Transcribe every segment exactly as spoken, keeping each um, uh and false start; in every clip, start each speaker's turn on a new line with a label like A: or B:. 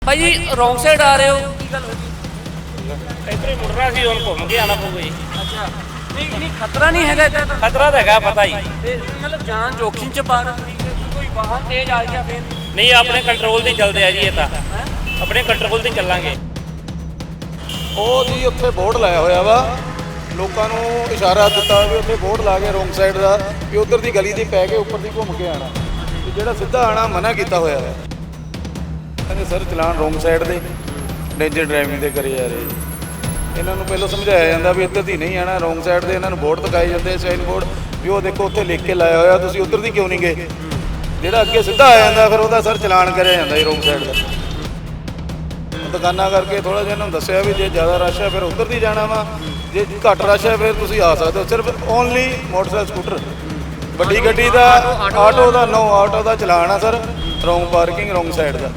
A: भाई जी wrong side आ रहे हो की गल हो गई
B: ਇੱਧਰ ਹੀ ਮੁੜਨਾ ਸੀ ਹੁਣ ਘੁੰਮ ਕੇ ਆਣਾ ਪਊਗਾ ਜੀ।
A: अच्छा नहीं नहीं खतरा नहीं है इतना तो
B: ਖਤਰਾ ਤਾਂ ਹੈਗਾ ਪਤਾ ਹੀ
A: ते मतलब जान जोखिम च पा रहे हो कोई वाहन तेज आ गया फिर
B: ਨਹੀਂ ਆਪਣੇ ਕੰਟਰੋਲ ਤੇ ਚੱਲਦੇ ਆ ਜੀ ਇਹ ਤਾਂ
A: हैं?
B: ਆਪਣੇ ਕੰਟਰੋਲ ਤੇ ਚੱਲਾਂਗੇ।
C: ਉਹ ਜੀ ਉੱਥੇ ਬੋਰਡ ਲਾਇਆ ਹੋਇਆ ਵਾ, ਲੋਕਾਂ ਨੂੰ ਇਸ਼ਾਰਾ ਦਿੱਤਾ ਵੀ ਉੱਥੇ ਬੋਰਡ ਲਾ ਕੇ ਰੋਂਗ ਸਾਈਡ ਦਾ ਵੀ ਉਧਰ ਦੀ ਗਲੀ ਦੀ ਪੈ ਕੇ ਉੱਪਰ ਦੀ ਘੁੰਮ ਕੇ ਆਣਾ, ਤੇ ਜਿਹੜਾ ਸਿੱਧਾ ਆਣਾ ਮਨਾ ਕੀਤਾ ਹੋਇਆ ਹੈ। ਕਹਿੰਦੇ ਸਰ ਚਲਾਨ ਰੋਂਗ ਸਾਈਡ ਦੇ ਡੇਂਜਰ ਡਰਾਈਵਿੰਗ ਦੇ ਕਰੇ ਜਾ ਰਹੇ। ਇਹਨਾਂ ਨੂੰ ਪਹਿਲਾਂ ਸਮਝਾਇਆ ਜਾਂਦਾ ਵੀ ਇੱਧਰ ਦੀ ਨਹੀਂ ਆਣਾ, ਰੋਂਗ ਸਾਈਡ ਦੇ। ਇਹਨਾਂ ਨੂੰ ਬੋਰਡ ਦਿਖਾਏ ਜਾਂਦੇ, ਸਾਈਨ ਬੋਰਡ ਵੀ ਉਹ ਦੇਖੋ ਉੱਥੇ ਲਿਖ ਕੇ ਲਾਇਆ ਹੋਇਆ, ਤੁਸੀਂ ਉੱਧਰ ਦੀ ਕਿਉਂ ਨਹੀਂ ਗਏ। ਜਿਹੜਾ ਅੱਗੇ ਸਿੱਧਾ ਆ ਜਾਂਦਾ ਫਿਰ ਉਹਦਾ ਸਰ ਚਲਾਨ ਕਰਿਆ ਜਾਂਦਾ ਜੀ ਰੋਂਗ ਸਾਈਡ ਦਾ। ਦੁਕਾਨਾਂ ਕਰਕੇ ਥੋੜਾ ਜਿਹਾ ਇਹਨਾਂ ਨੂੰ ਦੱਸਿਆ ਵੀ ਜੇ ਜ਼ਿਆਦਾ ਰਸ਼ ਹੈ ਫਿਰ ਉੱਧਰ ਦੀ ਜਾਣਾ ਵਾ, ਜੇ ਘੱਟ ਰਸ਼ ਹੈ ਫਿਰ ਤੁਸੀਂ ਆ ਸਕਦੇ ਹੋ। ਸਿਰਫ ਓਨਲੀ ਮੋਟਰਸਾਈਕਲ ਸਕੂਟਰ, ਵੱਡੀ ਗੱਡੀ ਦਾ ਆਟੋ ਦਾ ਨੋ ਆਟੋ ਦਾ ਚਲਾਨ ਆ sir, wrong parking wrong side ਦਾ।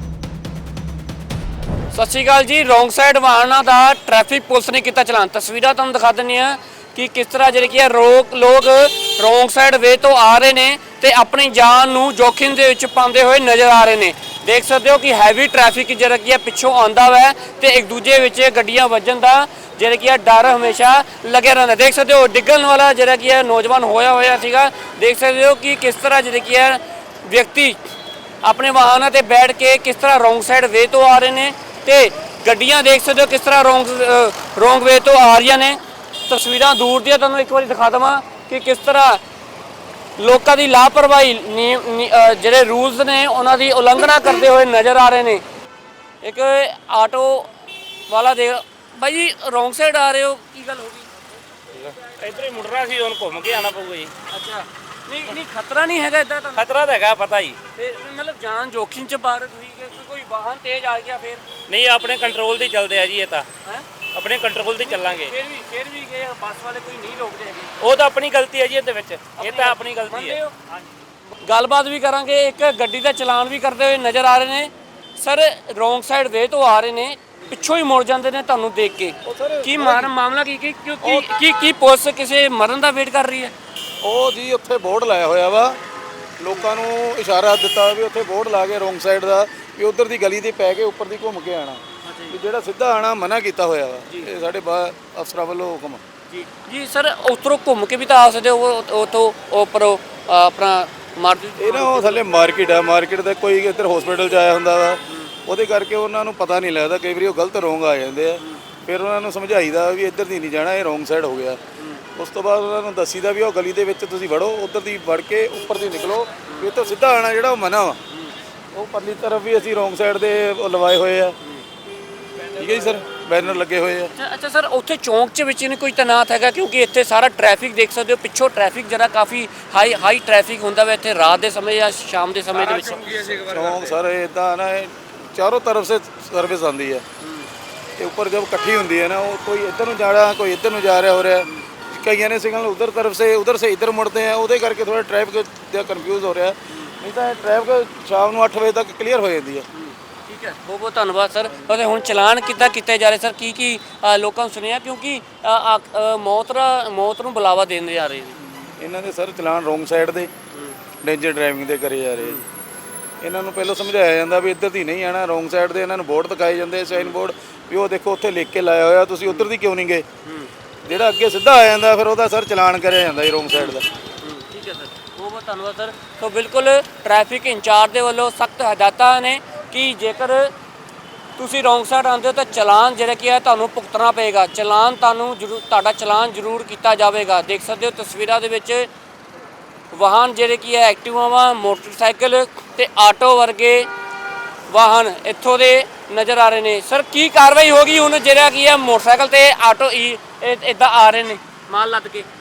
A: ਸਤਿ ਸ਼੍ਰੀ ਅਕਾਲ ਜੀ। ਰੋਂਗ ਸਾਈਡ ਵਾਹਨਾਂ ਦਾ ਟ੍ਰੈਫਿਕ ਪੁਲਿਸ ਨੇ ਕੀਤਾ ਚਲਾਨ। ਤਸਵੀਰਾਂ ਤੁਹਾਨੂੰ ਦਿਖਾ ਦਿੰਦੇ ਆ ਕਿ ਕਿਸ ਤਰ੍ਹਾਂ ਜਿਹੜੇ ਕੀ ਹੈ ਰੋਕ ਲੋਕ ਰੋਂਗ ਸਾਈਡ ਵੇ ਤੋਂ ਆ ਰਹੇ ਨੇ ਤੇ ਆਪਣੀ ਜਾਨ ਨੂੰ ਜੋਖਿਮ ਦੇ ਵਿੱਚ ਪਾਉਂਦੇ ਹੋਏ ਨਜ਼ਰ ਆ ਰਹੇ ਨੇ। ਦੇਖ ਸਕਦੇ ਹੋ ਕਿ ਹੈਵੀ ਟ੍ਰੈਫਿਕ ਜਿਹੜਾ ਕੀ ਹੈ ਪਿੱਛੋਂ ਆਉਂਦਾ ਵਾ ਤੇ ਇੱਕ ਦੂਜੇ ਵਿੱਚ ਗੱਡੀਆਂ ਵੱਜਣ ਦਾ ਜਿਹੜਾ ਕੀ ਹੈ ਡਰ ਹਮੇਸ਼ਾ ਲੱਗਿਆ ਰਹਿੰਦਾ। ਦੇਖ ਸਕਦੇ ਹੋ ਡਿੱਗਣ ਵਾਲਾ ਜਿਹੜਾ ਕੀ ਹੈ ਨੌਜਵਾਨ ਹੋਇਆ ਹੋਇਆ ਸੀਗਾ। ਦੇਖ ਸਕਦੇ ਹੋ ਕਿ ਕਿਸ ਤਰ੍ਹਾਂ ਜਿਹੜੇ ਕੀ ਹੈ ਵਿਅਕਤੀ ਆਪਣੇ ਵਾਹਨਾਂ ਤੇ ਬੈਠ ਕੇ ਕਿਸ ਤਰ੍ਹਾਂ ਰੋਂਗ ਸਾਈਡ ਵੇ ਤੋਂ ਆ ਰਹੇ ਨੇ ਤੇ ਗੱਡੀਆਂ ਦੇਖ ਸਕਦੇ ਹੋ ਕਿਸ ਤਰ੍ਹਾਂ ਰੋਂਗ ਰੋਂਗ ਵੇ ਤੋਂ ਆ ਰਹੀਆਂ ਨੇ। ਤਸਵੀਰਾਂ ਦੂਰ ਦੀਆਂ ਤੁਹਾਨੂੰ ਇੱਕ ਵਾਰੀ ਦਿਖਾ ਦਵਾਂ ਕਿ ਕਿਸ ਤਰ੍ਹਾਂ ਲੋਕਾਂ ਦੀ ਲਾਪਰਵਾਹੀ ਜਿਹੜੇ ਰੂਲਸ ਨੇ ਉਹਨਾਂ ਦੀ ਉਲੰਘਣਾ ਕਰਦੇ ਹੋਏ ਨਜ਼ਰ ਆ ਰਹੇ ਨੇ। ਇੱਕ ਆਟੋ ਵਾਲਾ ਦੇ ਭਾਈ ਜੀ ਰੋਂਗ ਸਾਈਡ ਆ ਰਹੇ ਹੋ ਕੀ ਗੱਲ ਹੋ ਗਈ।
B: ਇੱਧਰ ਹੀ ਮੁੜਨਾ ਸੀ ਹੁਣ ਘੁੰਮ ਕੇ ਆਣਾ ਪਊਗਾ ਜੀ।
A: ਅੱਛਾ ਨਹੀਂ ਨਹੀਂ ਖਤਰਾ ਨਹੀਂ ਹੈਗਾ ਇਦਾਂ ਤਾਂ
B: ਖਤਰਾ ਤਾਂ ਹੈਗਾ ਪਤਾ ਹੀ
A: ਤੇ ਮਤਲਬ ਜਾਨ ਜੋਖਿਮ ਚ ਪਾ ਰਹੇ ਤੁਸੀਂ ਕਿ ਕੋਈ ਵਾਹਨ ਤੇਜ਼ ਆ ਗਿਆ ਫਿਰ
B: ਨਹੀਂ ਆਪਣੇ ਕੰਟਰੋਲ ਤੇ ਚੱਲਦੇ ਆ ਜੀ ਇਹ ਤਾਂ
A: ਹੈ
B: ਆਪਣੇ ਕੰਟਰੋਲ ਤੇ ਚੱਲਾਂਗੇ।
A: ਫਿਰ ਵੀ ਫਿਰ ਵੀ ਗਏ ਬੱਸ ਵਾਲੇ ਕੋਈ ਨਹੀਂ ਰੋਕਦੇ ਹੈਗੇ।
B: ਉਹ ਤਾਂ ਆਪਣੀ ਗਲਤੀ ਹੈ ਜੀ ਇਹਦੇ ਵਿੱਚ, ਇਹ ਤਾਂ ਆਪਣੀ ਗਲਤੀ
A: ਮੰਨਦੇ
B: ਹੈ।
A: ਹੋ? ਗੱਲਬਾਤ ਵੀ ਕਰਾਂਗੇ। ਇੱਕ ਗੱਡੀ ਦਾ ਚਲਾਨ ਵੀ ਕਰਦੇ ਹੋਏ ਨਜ਼ਰ ਆ ਰਹੇ ਨੇ ਸਰ। ਰੋਂਗ ਸਾਈਡ ਵੇ ਤੋਂ ਆ ਰਹੇ ਨੇ, ਪਿੱਛੋਂ ਹੀ ਮੁੜ ਜਾਂਦੇ ਨੇ ਤੁਹਾਨੂੰ ਦੇਖ ਕੇ। ਕੀ ਮਾਰ ਮਾਮਲਾ ਕੀ ਕੀ ਕੀ ਕੀ ਕੀ ਪੁਲਿਸ ਕਿਸੇ ਮਰਨ ਦਾ ਵੇਟ ਕਰ ਰਹੀ ਹੈ।
C: ਉਹ ਜੀ ਉੱਥੇ ਬੋਰਡ ਲਾਇਆ ਹੋਇਆ ਵਾ, ਲੋਕਾਂ ਨੂੰ ਇਸ਼ਾਰਾ ਦਿੱਤਾ ਵੀ ਉੱਥੇ ਬੋਰਡ ਲਾ ਕੇ ਰੋਂਗ ਸਾਈਡ ਦਾ ਵੀ ਉਧਰ ਦੀ ਗਲੀ ਦੀ ਪੈ ਕੇ ਉੱਪਰ ਦੀ ਘੁੰਮ ਕੇ ਆਣਾ, ਵੀ ਜਿਹੜਾ ਸਿੱਧਾ ਆਣਾ ਮਨਾ ਕੀਤਾ ਹੋਇਆ ਵਾ। ਇਹ ਸਾਡੇ ਬਾ ਅਫਸਰਾਂ ਵੱਲੋਂ ਹੁਕਮ।
A: ਜੀ ਜੀ ਸਰ ਉੱਧਰੋਂ ਘੁੰਮ ਕੇ ਵੀ ਤਾਂ ਆ ਸਕਦੇ ਹੋ, ਉੱਥੋਂ ਉੱਪਰ ਆਪਣਾ ਮਾਰਕੀਟ
C: ਇਹ ਨਾ ਉਹ ਥੱਲੇ ਮਾਰਕੀਟ ਆ, ਮਾਰਕੀਟ ਦਾ ਕੋਈ ਇੱਧਰ ਹਸਪੀਟਲ 'ਚ ਆਇਆ ਹੁੰਦਾ ਵਾ, ਉਹਦੇ ਕਰਕੇ ਉਹਨਾਂ ਨੂੰ ਪਤਾ ਨਹੀਂ ਲੱਗਦਾ। ਕਈ ਵਾਰੀ ਉਹ ਗਲਤ ਰੋਂਗ ਆ ਜਾਂਦੇ ਆ, ਫਿਰ ਉਹਨਾਂ ਨੂੰ ਸਮਝਾਈਦਾ ਵੀ ਇੱਧਰ ਦੀ ਨਹੀਂ ਜਾਣਾ, ਇਹ ਰੋਂਗ ਸਾਈਡ ਹੋ ਗਿਆ। ਉਸ ਤੋਂ ਬਾਅਦ ਉਹਨਾਂ ਨੂੰ ਦੱਸੀਦਾ ਵੀ ਉਹ ਗਲੀ ਦੇ ਵਿੱਚ ਤੁਸੀਂ ਵੜੋ, ਉੱਧਰ ਦੀ ਵੜ ਕੇ ਉੱਪਰ ਦੀ ਨਿਕਲੋ, ਵੀ ਇੱਥੋਂ ਸਿੱਧਾ ਆਣਾ ਜਿਹੜਾ ਉਹ ਮਨਾ ਵਾ। ਉਹ ਪਰਲੀ ਤਰਫ ਵੀ ਅਸੀਂ ਰੋਂਗ ਸਾਈਡ ਦੇ ਉਹ ਲਵਾਏ ਹੋਏ ਆ, ਠੀਕ ਹੈ ਜੀ ਸਰ, ਬੈਨਰ ਲੱਗੇ ਹੋਏ ਆ।
A: ਅੱਛਾ ਸਰ ਉੱਥੇ ਚੌਂਕ 'ਚ ਵਿੱਚ ਨਹੀਂ ਕੋਈ ਤੈਨਾਤ ਹੈਗਾ ਕਿਉਂਕਿ ਇੱਥੇ ਸਾਰਾ ਟ੍ਰੈਫਿਕ ਦੇਖ ਸਕਦੇ ਹੋ ਪਿੱਛੋਂ ਟ੍ਰੈਫਿਕ ਜਿਹੜਾ ਕਾਫੀ ਹਾਈ ਹਾਈ ਟ੍ਰੈਫਿਕ ਹੁੰਦਾ ਵਾ ਇੱਥੇ ਰਾਤ ਦੇ ਸਮੇਂ ਜਾਂ ਸ਼ਾਮ ਦੇ ਸਮੇਂ ਦੇ ਵਿੱਚ।
C: ਚੌਂਕ ਸਰ ਇੱਦਾਂ ਨਾ ਚਾਰੋਂ ਤਰਫ ਸੇ ਸਰਵਿਸ ਆਉਂਦੀ ਹੈ ਤੇ ਉੱਪਰ ਜਦ ਇਕੱਠੀ ਹੁੰਦੀ ਹੈ ਨਾ, ਉਹ ਕੋਈ ਇੱਧਰ ਨੂੰ ਜਾ ਰਿਹਾ ਕੋਈ ਇੱਧਰ ਨੂੰ ਜਾ ਰਿਹਾ ਹੋ ਰਿਹਾ, ਕਈਆਂ ਨੇ ਸਿਗਨਲ ਉਧਰ ਤਰਫ ਸੇ ਉਧਰ ਸੇ ਇੱਧਰ ਮੁੜਦੇ ਆ, ਉਹਦੇ ਕਰਕੇ ਥੋੜਾ ਟ੍ਰੈਫਿਕ ਦਾ ਕਨਫਿਊਜ਼ ਹੋ ਰਿਹਾ। ਨਹੀਂ ਤਾਂ ਟ੍ਰੈਫਿਕ ਸ਼ਾਮ ਨੂੰ ਅੱਠ ਵਜੇ ਤੱਕ ਕਲੀਅਰ ਹੋ ਜਾਂਦੀ ਹੈ।
A: ਠੀਕ ਹੈ, ਬਹੁਤ ਬਹੁਤ ਧੰਨਵਾਦ ਸਰ। ਅਤੇ ਹੁਣ ਚਲਾਨ ਕਿੱਦਾਂ ਕੀਤੇ ਜਾ ਰਹੇ ਸਰ, ਕੀ ਕੀ ਲੋਕਾਂ ਨੂੰ ਸੁਣਿਆ ਕਿਉਂਕਿ ਮੌਤ ਮੌਤ ਨੂੰ ਬੁਲਾਵਾ ਦੇਣ ਜਾ ਰਹੇ ਨੇ
C: ਇਹਨਾਂ ਦੇ ਸਰ ਚਲਾਨ ਰੋਂਗ ਸਾਈਡ ਦੇ ਡੇਂਜਰ ਡਰਾਈਵਿੰਗ ਦੇ ਕਰੇ ਜਾ ਰਹੇ। ਇਹਨਾਂ ਨੂੰ ਪਹਿਲਾਂ ਸਮਝਾਇਆ ਜਾਂਦਾ ਵੀ ਇੱਧਰ ਦੀ ਨਹੀਂ ਆਣਾ, ਰੋਂਗ ਸਾਈਡ ਦੇ। ਇਹਨਾਂ ਨੂੰ ਬੋਰਡ ਦਿਖਾਏ ਜਾਂਦੇ, ਸਾਈਨ ਬੋਰਡ ਵੀ ਉਹ ਦੇਖੋ ਉੱਥੇ ਲਿਖ ਕੇ ਲਾਇਆ ਹੋਇਆ, ਤੁਸੀਂ ਉੱਧਰ ਦੀ ਕਿਉਂ ਨਹੀਂ ਗਏ। ਜਿਹੜਾ ਅੱਗੇ ਸਿੱਧਾ ਆ ਜਾਂਦਾ ਫਿਰ ਉਹਦਾ ਸਰ ਚਲਾਨ ਕਰਿਆ ਜਾਂਦਾ ਜੀ ਰੋਂਗ ਸਾਈਡ ਦਾ।
A: ਠੀਕ ਹੈ ਸਰ, ਬਹੁਤ ਬਹੁਤ ਧੰਨਵਾਦ ਸਰ। ਸੋ ਬਿਲਕੁਲ ਟ੍ਰੈਫਿਕ ਇੰਚਾਰਜ ਦੇ ਵੱਲੋਂ ਸਖਤ ਹਦਾਇਤਾਂ ਨੇ ਕਿ ਜੇਕਰ ਤੁਸੀਂ ਰੋਂਗ ਸਾਈਡ ਆਉਂਦੇ ਹੋ ਤਾਂ ਚਲਾਨ ਜਿਹੜਾ ਕੀ ਹੈ ਤੁਹਾਨੂੰ ਭੁਗਤਣਾ ਪਏਗਾ। ਚਲਾਨ ਤੁਹਾਨੂੰ ਜ਼ਰੂਰ ਤੁਹਾਡਾ ਚਲਾਨ ਜ਼ਰੂਰ ਕੀਤਾ ਜਾਵੇਗਾ। ਦੇਖ ਸਕਦੇ ਹੋ ਤਸਵੀਰਾਂ ਦੇ ਵਿੱਚ ਵਾਹਨ ਜਿਹੜੇ ਕੀ ਹੈ ਐਕਟਿਵਾਵਾਂ, ਮੋਟਰਸਾਈਕਲ ਤੇ ਆਟੋ ਵਰਗੇ ਵਾਹਨ ਇੱਥੋਂ ਦੇ ਨਜ਼ਰ ਆ ਰਹੇ ਨੇ। ਸਰ ਕੀ ਕਾਰਵਾਈ ਹੋਗੀ ਹੁਣ ਜਿਹੜਾ ਕੀ ਹੈ ਮੋਟਰਸਾਈਕਲ ਤੇ ਆਟੋ ਇੱਦਾਂ ਆ ਰਹੇ ਨੇ ਮਾਲ ਲੱਦ ਕੇ?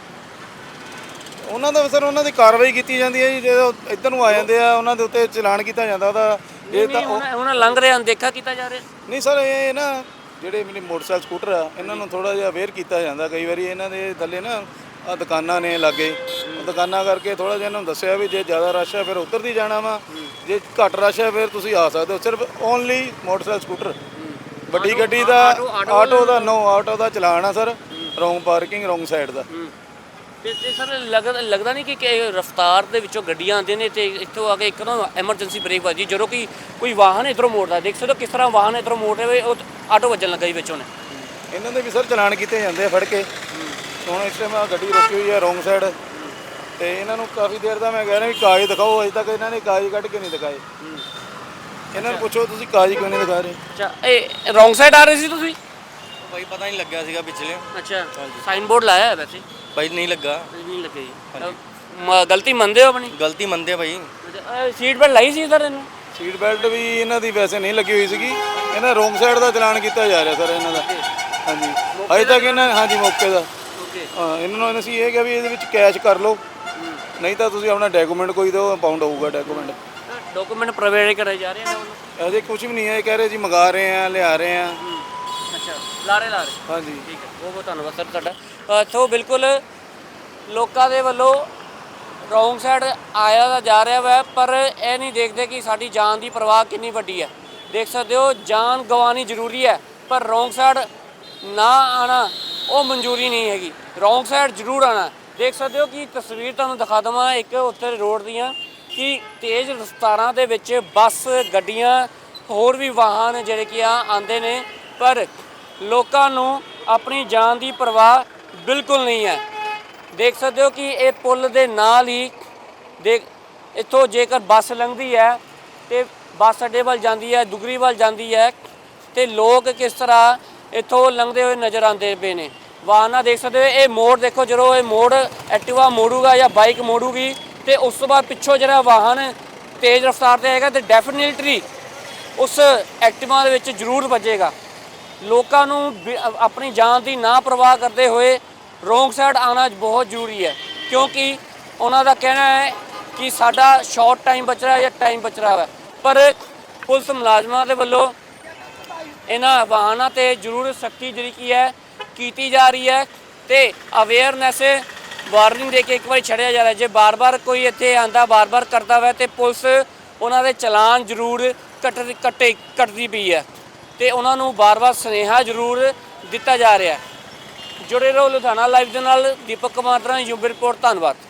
C: ਉਹਨਾਂ ਦਾ ਸਰ ਉਹਨਾਂ ਦੀ ਕਾਰਵਾਈ ਕੀਤੀ ਜਾਂਦੀ ਹੈ ਜੀ। ਜਦੋਂ ਇੱਧਰ ਨੂੰ ਆ ਜਾਂਦੇ ਆ ਉਹਨਾਂ ਦੇ ਉੱਤੇ ਚਲਾਨ ਕੀਤਾ ਜਾਂਦਾ ਉਹਦਾ। ਇਹ ਤਾਂ
A: ਹੁਣ ਲੰਘ ਰਹੇ ਹਨ ਦੇਖਾ ਕੀਤਾ ਜਾ ਰਿਹਾ
C: ਨਹੀਂ ਸਰ, ਇਹ ਨਾ ਜਿਹੜੇ ਮੇਰੇ ਮੋਟਰਸਾਈਕਲ ਸਕੂਟਰ ਆ ਇਹਨਾਂ ਨੂੰ ਥੋੜਾ ਜਿਹਾ ਅਵੇਅਰ ਕੀਤਾ ਜਾਂਦਾ। ਕਈ ਵਾਰੀ ਇਹਨਾਂ ਦੇ ਥੱਲੇ ਨਾ ਆ ਦੁਕਾਨਾਂ ਨੇ ਲਾਗੇ, ਦੁਕਾਨਾਂ ਕਰਕੇ ਥੋੜਾ ਜਿਹਾ ਇਹਨਾਂ ਨੂੰ ਦੱਸਿਆ ਵੀ ਜੇ ਜ਼ਿਆਦਾ ਰਸ਼ ਹੈ ਫਿਰ ਉੱਧਰ ਦੀ ਜਾਣਾ ਵਾ, ਜੇ ਘੱਟ ਰਸ਼ ਹੈ ਫਿਰ ਤੁਸੀਂ ਆ ਸਕਦੇ ਹੋ। ਸਿਰਫ ਓਨਲੀ ਮੋਟਰਸਾਈਕਲ ਸਕੂਟਰ, ਵੱਡੀ ਗੱਡੀ ਦਾ ਆਟੋ ਦਾ ਨੋ ਆਟੋ ਦਾ ਚਲਾਨ ਆ sir, wrong parking wrong side ਦਾ।
A: ਤੇ ਤੇ ਸਰ ਲੱਗਦਾ ਲੱਗਦਾ ਨਹੀਂ ਕਿ ਕਿ ਰਫ਼ਤਾਰ ਦੇ ਵਿੱਚੋਂ ਗੱਡੀਆਂ ਆਉਂਦੇ ਨੇ ਤੇ ਇੱਥੋਂ ਆ ਕੇ ਇੱਕ ਨਾ ਐਮਰਜੈਂਸੀ ਬ੍ਰੇਕ ਵੱਜੀ ਜਦੋਂ ਕਿ ਕੋਈ ਵਾਹਨ ਇੱਧਰੋਂ ਮੋੜਦਾ ਦੇਖ ਸਕਦੇ ਹੋ ਕਿਸ ਤਰ੍ਹਾਂ ਵਾਹਨ ਇੱਧਰੋਂ ਮੋੜ ਰਿਹਾ ਉਹ ਆਟੋ ਵੱਜਣ ਲੱਗਾ ਜੀ ਵਿੱਚੋਂ ਨੇ।
C: ਇਹਨਾਂ ਦੇ ਵੀ ਸਰ ਚਲਾਨ ਕੀਤੇ ਜਾਂਦੇ ਆ ਫੜ ਕੇ। ਹੁਣ ਇਸ ਟਾਈਮ ਗੱਡੀ ਰੋਕੀ ਹੋਈ ਹੈ ਰੋਂਗ ਸਾਈਡ ਤੇ ਇਹਨਾਂ ਨੂੰ ਕਾਫੀ ਦੇਰ ਦਾ ਮੈਂ ਕਹਿ ਰਿਹਾ ਵੀ ਕਾਗਜ਼ ਦਿਖਾਓ, ਅਜੇ ਤੱਕ ਇਹਨਾਂ ਨੇ ਕਾਗਜ਼ ਕੱਢ ਕੇ ਨਹੀਂ ਦਿਖਾਏ। ਇਹਨਾਂ ਨੂੰ ਪੁੱਛੋ ਤੁਸੀਂ ਕਾਗਜ਼ ਕਿਉਂ ਨਹੀਂ ਦਿਖਾ ਰਹੇ?
A: ਅੱਛਾ ਇਹ ਰੋਂਗ ਸਾਈਡ ਆ ਰਹੇ ਸੀ ਤੁਸੀਂ?
D: ਭਾਈ ਪਤਾ ਨਹੀਂ ਲੱਗਿਆ ਸੀਗਾ ਪਿਛਲੇ।
A: ਅੱਛਾ ਸਾਈਨ ਬੋਰਡ ਲਾਇਆ ਹੈ ਵੈਸੇ?
D: ਭਾਈ ਨਹੀਂ ਲੱਗਾ।
A: ਨਹੀਂ ਲੱਗੇ ਜੀ। ਮ- ਗਲਤੀ ਮੰਨਦੇ ਹੋ ਆਪਣੀ?
D: ਗਲਤੀ ਮੰਨਦੇ ਆ ਭਾਈ।
A: ਸੀਟ ਬੈਲਟ ਲਾਈ ਸੀ ਸਰ ਇਹਨੂੰ?
C: ਸੀਟ ਬੈਲਟ ਵੀ ਇਹਨਾਂ ਦੀ ਵੈਸੇ ਨਹੀਂ ਲੱਗੀ ਹੋਈ ਸੀਗੀ। ਇਹਨਾਂ ਰੋਂਗ ਸਾਈਡ ਦਾ ਚਲਾਨ ਕੀਤਾ ਜਾ ਰਿਹਾ ਸਰ ਇਹਨਾਂ ਦਾ। ਹਾਂਜੀ ਅਜੇ ਤੱਕ ਇਹਨਾਂ ਹਾਂਜੀ ਮੌਕੇ ਦਾ।
A: ਓਕੇ
C: ਹਾਂ ਇਹਨਾਂ ਨੂੰ ਅਸੀਂ ਇਹ ਕਿਹਾ ਵੀ ਇਹਦੇ ਵਿੱਚ ਕੈਸ਼ ਕਰ ਲਓ, ਨਹੀਂ ਤਾਂ ਤੁਸੀਂ ਆਪਣਾ ਡਾਕੂਮੈਂਟ ਕੋਈ ਦਿਓ, ਪਾਉਂਡ ਹੋਊਗਾ ਡਾਕੂਮੈਂਟ।
A: ਡਾਕੂਮੈਂਟ ਪ੍ਰੋਵਾਈਡ ਕਰਾਏ ਜਾ ਰਹੇ ਨੇ ਉਹਨਾਂ ਨੂੰ?
C: ਅਜੇ ਕੁਝ ਵੀ ਨਹੀਂ ਹੈ, ਇਹ ਕਹਿ ਰਹੇ ਜੀ ਮੰਗਾ ਰਹੇ ਆ ਲਿਆ ਰਹੇ ਆ।
A: ਅੱਛਾ ਲਾਰੇ ਲਾਰੇ
C: ਹਾਂਜੀ
A: ਠੀਕ ਹੈ ਬਹੁਤ ਬਹੁਤ ਧੰਨਵਾਦ ਸਰ ਤੁਹਾਡਾ। ਸੋ ਬਿਲਕੁਲ ਲੋਕਾਂ ਦੇ ਵੱਲੋਂ ਰੋਂਗ ਸਾਈਡ ਆਇਆ ਤਾਂ ਜਾ ਰਿਹਾ ਵਾ ਪਰ ਇਹ ਨਹੀਂ ਦੇਖਦੇ ਕਿ ਸਾਡੀ ਜਾਨ ਦੀ ਪਰਵਾਹ ਕਿੰਨੀ ਵੱਡੀ ਹੈ। ਦੇਖ ਸਕਦੇ ਹੋ ਜਾਨ ਗਵਾਉਣੀ ਜ਼ਰੂਰੀ ਹੈ ਪਰ ਰੋਂਗ ਸਾਈਡ ਨਾ ਆਣਾ ਉਹ ਮਨਜ਼ੂਰੀ ਨਹੀਂ ਹੈਗੀ। ਰੋਂਗ ਸਾਈਡ ਜ਼ਰੂਰ ਆਣਾ। ਦੇਖ ਸਕਦੇ ਹੋ ਕਿ ਤਸਵੀਰ ਤੁਹਾਨੂੰ ਦਿਖਾ ਦੇਵਾਂ ਇੱਕ ਉੱਥੇ ਰੋਡ ਦੀਆਂ ਕਿ ਤੇਜ਼ ਰਫ਼ਤਾਰਾਂ ਦੇ ਵਿੱਚ ਬੱਸ ਗੱਡੀਆਂ ਹੋਰ ਵੀ ਵਾਹਨ ਜਿਹੜੇ ਕਿ ਆ ਆਉਂਦੇ ਨੇ ਪਰ ਲੋਕਾਂ ਨੂੰ ਆਪਣੀ ਜਾਨ ਦੀ ਪਰਵਾਹ ਬਿਲਕੁਲ ਨਹੀਂ ਹੈ। ਦੇਖ ਸਕਦੇ ਹੋ ਕਿ ਇਹ ਪੁਲ ਦੇ ਨਾਲ ਹੀ ਦੇਖ ਇੱਥੋਂ ਜੇਕਰ ਬੱਸ ਲੰਘਦੀ ਹੈ ਤੇ ਬੱਸ ਅੱਡੇ ਵੱਲ ਜਾਂਦੀ ਹੈ, ਦੁਗਰੀ ਵੱਲ ਜਾਂਦੀ ਹੈ ਤੇ ਲੋਕ ਕਿਸ ਤਰ੍ਹਾਂ ਇੱਥੋਂ ਲੰਘਦੇ ਹੋਏ ਨਜ਼ਰ ਆਉਂਦੇ ਪਏ ਨੇ। ਵਾਹਨਾਂ ਦੇਖ ਸਕਦੇ ਹੋ ਇਹ ਮੋੜ ਦੇਖੋ, ਜਦੋਂ ਇਹ ਮੋੜ ਐਕਟਿਵਾ ਮੋੜੂਗਾ ਜਾਂ ਬਾਈਕ ਮੋੜੂਗੀ ਤੇ ਉਸ ਤੋਂ ਬਾਅਦ ਪਿੱਛੋਂ ਜਿਹੜਾ ਵਾਹਨ ਤੇਜ਼ ਰਫ਼ਤਾਰ ਤੇ ਆਏਗਾ ਤੇ ਡੈਫੀਨਿਟਲੀ ਉਸ ਐਕਟਿਵਾ ਦੇ ਵਿੱਚ ਜ਼ਰੂਰ ਵੱਜੇਗਾ। ਲੋਕਾਂ ਨੂੰ ਬਿ- ਆਪਣੀ ਜਾਨ ਦੀ ਨਾ ਪਰਵਾਹ ਕਰਦੇ ਹੋਏ ਰੋਂਗ ਸਾਈਡ ਆਉਣਾ ਬਹੁਤ ਜ਼ਰੂਰੀ ਹੈ ਕਿਉਂਕਿ ਉਹਨਾਂ ਦਾ ਕਹਿਣਾ ਹੈ ਕਿ ਸਾਡਾ ਸ਼ਾਰਟ ਟਾਈਮ ਬਚ ਰਿਹਾ ਜਾਂ ਟਾਈਮ ਬਚ ਰਿਹਾ ਹੈ ਪਰ ਪੁਲਿਸ ਮੁਲਾਜ਼ਮਾਂ ਦੇ ਵੱਲੋਂ ਇਹਨਾਂ ਵਾਹਨਾਂ ਤੇ ਜ਼ਰੂਰ ਸਖਤੀ ਜਿਹੜੀ ਕੀ ਹੈ ਕੀਤੀ ਜਾ ਰਹੀ ਹੈ ਤੇ ਅਵੇਅਰਨੈਸ ਵਾਰਨਿੰਗ ਦੇ ਕੇ ਇੱਕ ਵਾਰੀ ਛੱਡਿਆ ਜਾ ਰਿਹਾ। ਜੇ ਬਾਰ-ਬਾਰ ਕੋਈ ਇੱਥੇ ਆਂਦਾ ਬਾਰ-ਬਾਰ ਕਰਦਾ ਵਾ ਤੇ ਪੁਲਿਸ ਉਹਨਾਂ ਦੇ ਚਲਾਨ ਜ਼ਰੂਰ ਕੱਟ ਕੱਟੇ ਕੱਟਦੀ ਪਈ ਹੈ ਤੇ ਉਹਨਾਂ ਨੂੰ ਬਾਰ-ਬਾਰ ਸੁਨੇਹਾ ਜ਼ਰੂਰ ਦਿੱਤਾ ਜਾ ਰਿਹਾ ਹੈ। ਜੁੜੇ ਰਹੋ ਲੁਧਿਆਣਾ ਲਾਈਵ ਦੇ ਨਾਲ। ਦੀਪਕ ਕੁਮਾਰ ਦਾ ਯੂਬੀ ਰਿਪੋਰਟ। ਧੰਨਵਾਦ।